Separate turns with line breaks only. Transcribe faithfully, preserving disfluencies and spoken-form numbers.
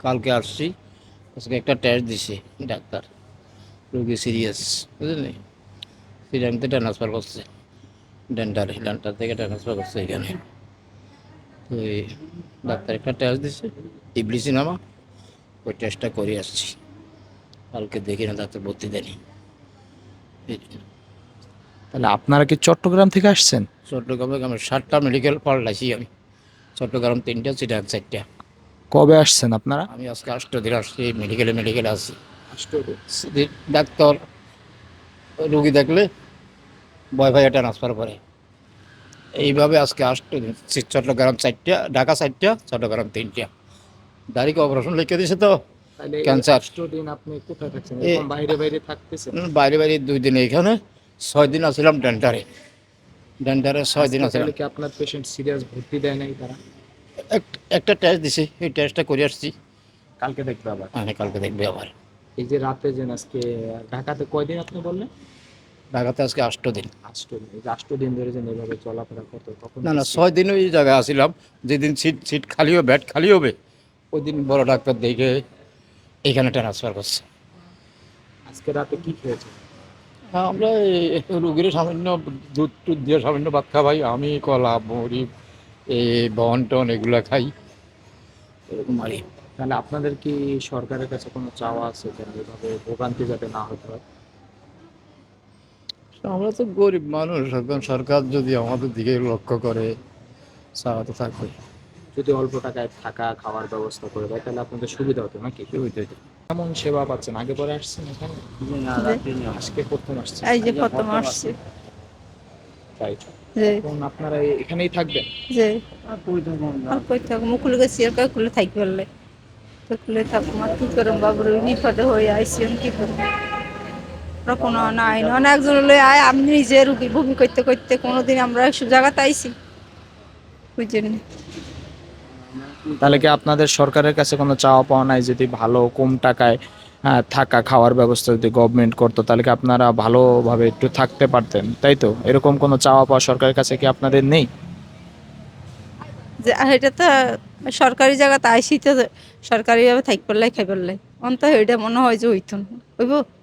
কালকে আসছি, আজকে একটা টেস্ট দিছে ডাক্তার, রোগী সিরিয়াস, বুঝলি, সিরিয়ানতে ট্রান্সফার করছে, ডেন্টারে ডেন্টার থেকে ট্রান্সফার করছে এখানে। তো এই ডাক্তার একটা টেস্ট দিছে, ইবলিসিনামা, ওই টেস্টটা করে আসছি। কালকে দেখি না, ডাক্তার ভর্তি দেয়নি।
তাহলে আপনারা কি চট্টগ্রাম থেকে আসছেন?
চট্টগ্রামে আমি সাতটা মেডিকেল পাল্টাইছি আমি, চট্টগ্রাম তিনটা, চিটাগাং চারটা।
কবে আসছেন আপনারা?
আমি আজকে আষ্ট দিন আসছি, মেডিকেলে মেডিকেলে আছি। ডাক্তার রুগী দেখলে ভয় ভয় ট্রান্সফার করে, এইভাবে আজকে আসতে চট্টগ্রাম চারটা, ঢাকা চারটা, চট্টগ্রাম তিনটা। দাড়িকে অপারেশন লিখে দিছে তো,
তাহলে এই
ক্যান্সার।
আষ্ট দিন আপনি কোথায় থাকছেন?
এ
এরকম বাইরে বাইরে থাকতেছেন?
বাইরে বাইরে দুই দিন এইখানে, ছয় দিন আসছিলাম ডেন্টারে, ডেন্টারে ছয় দিন
আজকে
আসছিলাম।
তাহলে কি আপনার পেশেন্ট সিরিয়াস ভর্তি দেয় নাই তারা?
এক- একটা টেস্ট দিছে, এই টেস্টটা করে আসছি।
কালকে দেখবে আবার।
আমি কালকে দেখবে আবার।
এই যে রাতে যে আজকে ঢাকাতে কয়দিন আপনি বললেন?
ঢাকাতে আজকে আষ্ট দিন।
আষ্ট দিন। এই যে আষ্ট দিন ধরে যে এভাবে চলাফেরা করতো তখন
না
কি
না,
সি-
ছয় দিন ওই জায়গায় আসছিলাম, যেদিন সিট সিট খালি হবে, বেড খালি হবে, ওই দিন বড় ডাক্তার দেখে এইখানে ট্রান্সফার করছে।
আজকে রাতে কি খেয়েছে?
হ্যাঁ, আমরা এই রুগীর সামান্য দুধ টুধ দিয়ে সামান্য ভাত খাওয়াই, আমি কলা মুড়ি এই বন টন এগুলো খাই, এরকম আর কি।
তাহলে আপনাদের কি সরকারের কাছে কোনো চাওয়া আছে যে এভাবে ভোগান্তি যাতে না হতে হয়?
আমরা তো গরিব মানুষ, এখন সরকার যদি আমাদের দিকে লক্ষ্য করে, চাওয়া তো থাকবে।
যদি অল্প টাকায় থাকা খাওয়ার ব্যবস্থা করে দেয় তাহলে আপনাদের সুবিধা হতো নাকি?
সুবিধা তো।
কেমন সেবা পাচ্ছেন? আগে পরে আসছেন এখানে?
যে
আজকে প্রথম আসছেন?
এই যে প্রথম আসছে
তাই
যে
এখন আপনারা এখানেই থাকবেন?
যে আর কই থাকবো মুকুল গেছি আর কই কুলে থাকি বললে তো কুলে থাকবো আর কি করম বাবুর বিপদে হয়ে আইসি আমি কি করবো কোনো নাই না একজন লই আয় আমি নিজে রুগী ভূমি করতে করতে কোনোদিন আমরা একশো জায়গাতে আইসি বুঝছেন।
তাহলে কি আপনাদের সরকারের কাছে কোনো চাওয়া পাওয়া নাই? যদি ভালো কম টাকায় হ্যাঁ, থাকা খাওয়ার ব্যবস্থা যদি গভর্নমেন্ট করতো তাহলে কি আপনারা ভালোভাবে একটু থাকতে পারতেন, তাই তো? এরকম কোনো চাওয়া পাওয়া সরকারের কাছে কি আপনাদের নেই?
যে আর এটা তো সরকারি জায়গাতে আইসি তো সরকারিভাবে থাকি পারলাই খাই পারলাই অন্ত এটা মনে হয় যে হইতো না হইব।